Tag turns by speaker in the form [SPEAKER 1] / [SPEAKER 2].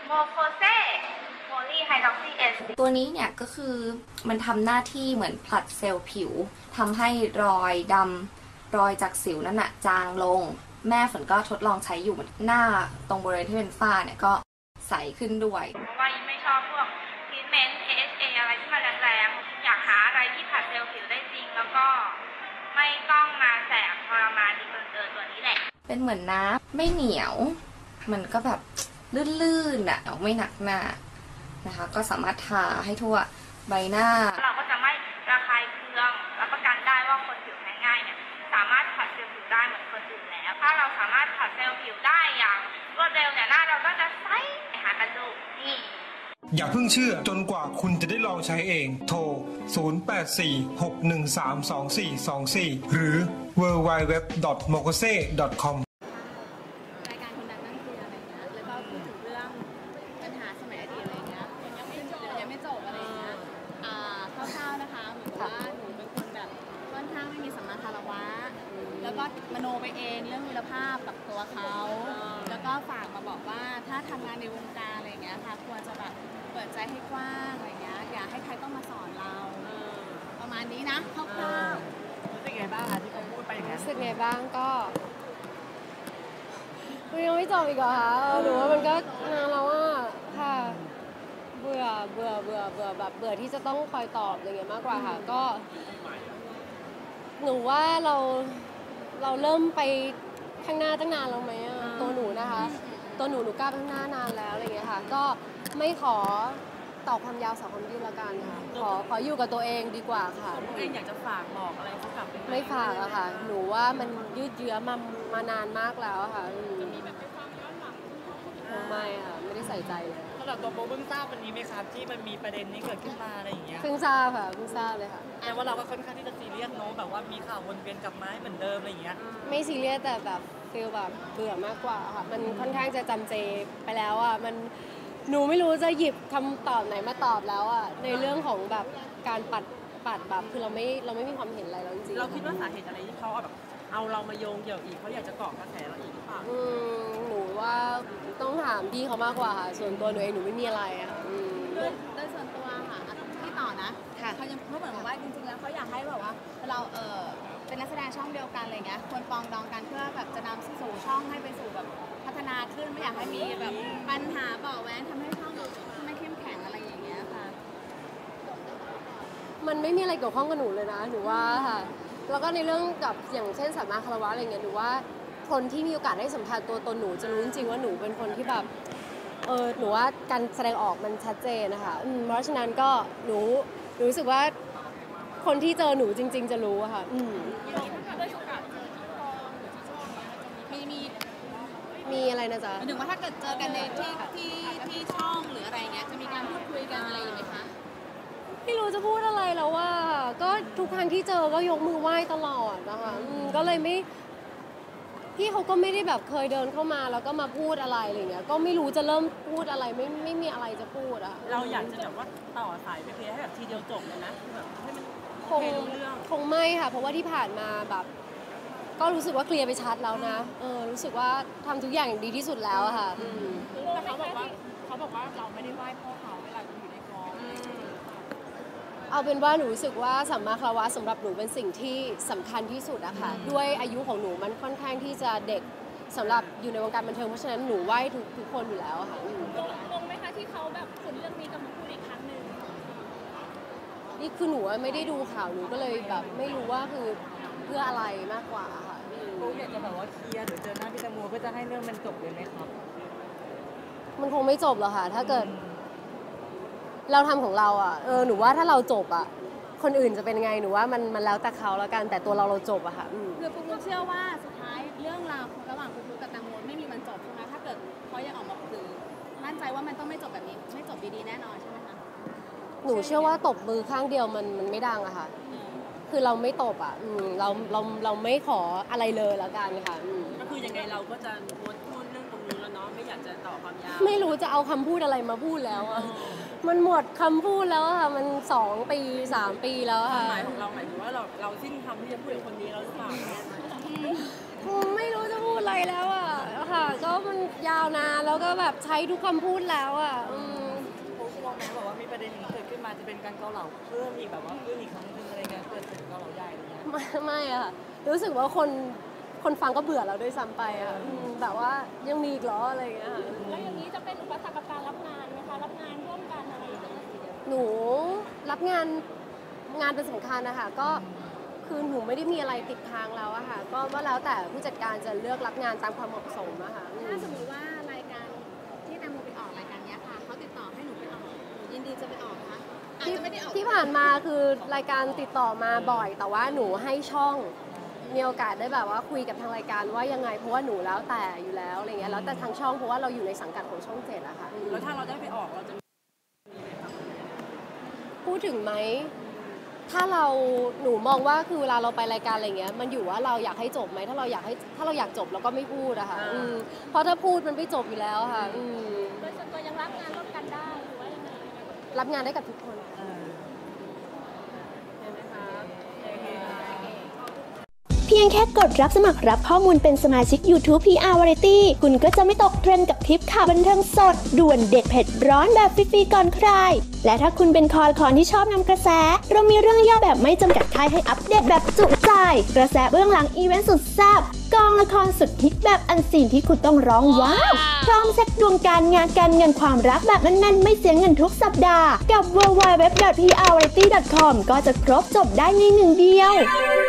[SPEAKER 1] โมโคเซโพลีไฮดรอกซีเอส
[SPEAKER 2] ตัวนี้เนี่ยก็คือมันทำหน้าที่เหมือนผลัดเซลล์ผิวทำให้รอยดำรอยจากสิวนั่นน่ะจางลงแม่ฝนก็ทดลองใช้อยู่หน้าตรงบริเวณที่เป็นฝ้าเนี่ยก็ใสขึ้นด้วย
[SPEAKER 1] เพราะว่ายิ่งไม่ชอบพวกทรีทเมนต์ AHA อะไรที่มันแรงๆอยากหาอะไรที่ผลัดเซลล์ผิวได้จริงแล้วก็ไม่ต้องมาแสบทรมานดีเกินตัวนี้แหละ
[SPEAKER 2] เป็นเหมือนน้ำไม่เหนียวมันก็แบบลื่นๆอ่ะไม่หนักหน้านะคะก็สามารถทาให้ทั่วใบหน้า
[SPEAKER 1] เราก็จะไม่ระคายเคืองรับประกันได้ว่าคนผิวแพ้ง่ายเนี่ยสามารถผัดเซลล์ผิวได้เหมือนคนอื่นแล้วถ้าเราสามารถผัดเซลล์ผิวได้อย่างรวดเร็วเนี่ยหน้าเราก็จะใสหากันดูนี่
[SPEAKER 3] อย่าเพิ่งเชื่อจนกว่าคุณจะได้ลองใช้เองโทร 0846132424 หรือ www.mokose.com
[SPEAKER 4] แล้วก็มโนไปเองเรื่องคุณภาพกับตัวเขาแล้วก็ฝากมาบอกว่าถ้าทำงานในวงการอะไรเงี้ยค่ะควรจะแบบเปิดใจให้กว้างอะไรเงี้ยอย่าให้ใครต้องมาสอนเราประมาณนี้นะคร่าวๆ
[SPEAKER 5] รู้สึกไงบ้างที่เขาพูดไปอย่างนั้น
[SPEAKER 6] รู้สึกไงบ้างก็ยังไม่จบอีกเหรอคะหนูว่ามันก็นานแล้วอ่ะค่ะเบื่อแบบเบื่อที่จะต้องคอยตอบอะไรเงี้ยมากกว่าค่ะก็หนูว่าเราเริ่มไปข้างหน้าตั้งนานแล้วไหมตัวหนูนะคะตัวหนูกล้าข้างหน้านานแล้วอะไรเงี้ยค่ะก็ไม่ขอตอบความยาวสาวความยืดละกันค่ะขออยู่กับตัวเองดีกว่าค่ะ
[SPEAKER 5] ตัวเองอยากจะฝากบอกอะไรสักกับ
[SPEAKER 6] ไม่ฝากอะค่ะหนูว่ามันยืดเยื้อมานานมากแล้วค่ะ
[SPEAKER 5] จะมีแบบไปฟังย้อนหลัง
[SPEAKER 6] ไม่ค่ะไม่ได้ใส่ใจเลย
[SPEAKER 5] สำหรับตัวโบเพิ่งทราบวันนี้ไหมครับที่มันมีประเด็นนี้เกิดขึ้นมาอะไรอย่างเงี้ย
[SPEAKER 6] เพิ่งทราบค่ะเพิ่งทราบเลยค่ะ
[SPEAKER 5] แต่ว่าเราก็ค่อนข้างที่จะซีเรียสเนาะแบบว่ามีข่าววนเวียนกลับมาเหมือนเดิมอะไรอย่างเงี้ย
[SPEAKER 6] ไม่ซีเรียสแต่แบบฟีลแบบเบื่อมากกว่าค่ะมันค่อนข้างจะจำเจไปแล้วอ่ะมันหนูไม่รู้จะหยิบคำตอบไหนมาตอบแล้วอ่ะในเรื่องของแบบการปัดแบบคือเราไม่มีความเห็นอะไรแล้วจริง
[SPEAKER 5] ๆเราคิดว่าสาเหตุอะไรที่เขาแบบเอาเรามาโยงเกี่ยวอีกเขาอยากจะเกาะกระแสเราอีกหรือเปล่า
[SPEAKER 6] หนูว่าต้องถามพี่เขามากกว่าค่ะส่วนตัวหนูเองหนูไม่มีอะไรค่ะ
[SPEAKER 4] โดยส่วนตัวค่ะพี่ต่อนะเขายังพูดเหมือนว่าจริงๆแล้วเขาอยากให้แบบว่าเราเป็นนักแสดงช่องเดียวกันอะไรเงี้ยควรปองดองกันเพื่อแบบจะนำสู่ช่องให้ไปสู่แบบพัฒนาขึ้นไม่อยากให้มีแบบปัญหาเบาะแว้งทำให้ช่องไม่เข้มแข็งอะไรอย่างเงี้ยค่ะ
[SPEAKER 6] มันไม่มีอะไรเกี่ยวข้องกับหนูเลยนะหนูว่าค่ะแล้วก็ในเรื่องกับอย่างเช่นสัมมาคารวะอะไรเงี้ยหนูว่าคนที่มีโอกาสได้สัมผัสตัวตนหนูจะรู้จริงๆว่าหนูเป็นคนที่แบบหนูว่าการแสดงออกมันชัดเจนนะคะเพราะฉะนั้นก็หนูรู้สึกว่าคนที่เจอหนูจริงๆจะรู้อะค่ะมีอะไรนะจ๊ะ
[SPEAKER 4] หมายถึงว่าถ้าเกิดเจอกันในที่ช่องหรืออะไรเงี้ยจะมีการพูดคุยกันอะไรอยู่ไหมคะ
[SPEAKER 6] ไม่รู้จะพูดอะไรแล้วว่าก็ทุกครั้งที่เจอก็ยกมือไหว้ตลอดนะคะก็เลยไม่พี่เขาก็ไม่ได้แบบเคยเดินเข้ามาแล้วก็มาพูดอะไรอะไรเงี้ยก็ไม่รู้จะเริ่มพูดอะไรไม่มีอะไรจะพูดอะ
[SPEAKER 5] เราอยากจะแบบว่าต่อสายไปเคลียร์ให้แบบทีเดียวจบเลยนะแบบให้มัน
[SPEAKER 6] คงไม่ค่ะเพราะว่าที่ผ่านมาแบบก็รู้สึกว่าเคลียร์ไปชัดแล้วนะรู้สึกว่าทำทุกอย่างอย่างดีที่สุดแล้วอะค่ะ
[SPEAKER 5] แต่เขาบอกว่าเราไม่ได้ไหว้พ่อเขาเวลาอยู่ในกอง
[SPEAKER 6] เอาเป็นว่าหนูรู้สึกว่าสัมมาคารวะสำหรับหนูเป็นสิ่งที่สำคัญที่สุดอะค่ะด้วยอายุของหนูมันค่อนข้างที่จะเด็กสำหรับอยู่ในวงการบันเทิงเพราะฉะนั้นหนูไหว้ทุกคนอยู่แล้วค่ะ
[SPEAKER 4] งงไหมคะที่เขาแบบคนเรื่องนี้กำลังพูดอีกครั้งหนึ่ง
[SPEAKER 6] นี่คือหนูไม่ได้ดูข่าวหนูก็เลยแบบไม่รู้ว่าคือเพื่ออะไรมากกว่าค่ะ
[SPEAKER 5] โบอยากจะแบบว่าเคลียร์หรือเจอหน้าพี่แตงโมเพื่อจะให้เรื่องมันจบเลยไหมครับ
[SPEAKER 6] มันคงไม่จบหรอกค่ะถ้าเกิดเราทำของเราอ่ะหนูว่าถ้าเราจบอ่ะคนอื่นจะเป็นไงหนูว่ามันแล้วแต่เขาแล้วกันแต่ตัวเราจบอะค่ะ
[SPEAKER 4] คือปุ๊กเชื่อว่าสุดท้ายเรื่องราวระหว่างปุ๊กกับแตงโมไม่มีวันจบใช่ไหมถ้าเกิดเขายังออกมาคือมั่นใจว่ามันต้องไม่จบแบบนี้ไม่จบดีๆแน่นอนใช่ไหมคะ
[SPEAKER 6] หนูเชื่อว่าตบมือข้างเดียวมันไม่ดังอะค่ะคือเราไม่ตบอ่ะเราไม่ขออะไรเลยแล้วกันค่ะ
[SPEAKER 5] ก็คือยังไงเราก็จะงดพูดเรื่องตรงนี้แล้วเนาะไม่อยากจะต่อความยาว
[SPEAKER 6] ไม่รู้จะเอาคำพูดอะไรมาพูดแล้วอะมันหมดคำพูดแล้วค่ะมัน2 ปี 3 ปีแล้วค่ะ
[SPEAKER 5] หมายของเราหมายถึงว่าเราสิ้นคำที่จะพูดกับคนนี้แล้วหรือเปล่า
[SPEAKER 6] ไม่รู้จะพูดอะไรแล้วอะค่ะ ก็มันยาวนานแล้วก็แบบใช้ทุกคำพูดแล้วอ่ะ
[SPEAKER 5] โค้ชมองแม้แบบว่ามีประเด็นนี้เกิดขึ้นมาจะเป็นการเกาเหลาเพิ่มอีกแบบว่าขึ้นอีกครั้งนึงอะไรเงี้ยเกิดเป็นเกาเหลาใหญ่อะไรเงี้ย
[SPEAKER 6] ไม่อะค่ะรู้สึกว่าคนฟังก็เบื่อเราด้วยซ้ำไปอ่ะแบบว่ายังมีอีกเหรออะไรอย่างเงี้ยค่ะ
[SPEAKER 7] แล้วอย่างนี้จะเป็นอุปสรรคกับการรับงานไหมคะรับงานร่วมกันอะไรอย่างเงี้ย
[SPEAKER 6] หนูรับงานเป็นสำคัญนะคะก็คือหนูไม่ได้มีอะไรติดทางเราอะค่ะก็ว่าแล้วแต่ผู้จัดการจะเลือกรับงานตามความเหมาะสมอะค่ะ
[SPEAKER 4] ถ้าสมมติว่ารายการที่แตงโมไปออกรายการเนี้ยค่ะเขาติดต่อให้หนูไปออกยินดีจะไปออกคะอาจจะไม่ได้ออก
[SPEAKER 6] ที่ผ่านมาคือรายการติดต่อมาบ่อย แต่ว่าหนูให้ช่องมีโอกาสได้แบบว่าคุยกับทางรายการว่ายังไงเพราะว่าหนูแล้วแต่อยู่แล้วอะไรเงี้ยแล้วแต่ทางช่องเพราะว่าเราอยู่ในสังกัดของช่อง7อะค่ะ
[SPEAKER 5] แล้วถ้าเราได้ไปออกเราจะ
[SPEAKER 6] พูดถึงไหมถ้าหนูมองว่าคือเวลาเราไปรายการอะไรเงี้ยมันอยู่ว่าเราอยากให้จบไหมถ้าเราอยากจบเราก็ไม่พูดอะค่ะเพราะถ้าพูดมันไม่จบอยู่แล้วค่ะ
[SPEAKER 7] โดยส่วนตัวยังรับงานร่วมกันได้หรือว่ายังไง
[SPEAKER 6] รับงานได้กับทุกคน
[SPEAKER 8] เพียงแค่กดรับสมัครรับข้อมูลเป็นสมาชิก YouTube PR Variety คุณก็จะไม่ตกเทรนด์กับทริปข่าวบันเทิงสดด่วนเด็ดเผ็ดร้อนแบบฟรีๆก่อนใคร และถ้าคุณเป็นคอที่ชอบนำกระแส เรามีเรื่องย่อแบบไม่จำกัดท้ายให้อัปเดตแบบจุใจ กระแสเบื้องหลังอีเวนต์สุดแซ่บกองละครสุดฮิตแบบอันซีนที่คุณต้องร้องว้าวพร้อมเช็คดวงการงานการเงินความรักแบบแน่นๆไม่เสียเงินทุกสัปดาห์กับ www.prvariety.com ก็จะครบจบได้ในหนึ่งเดียว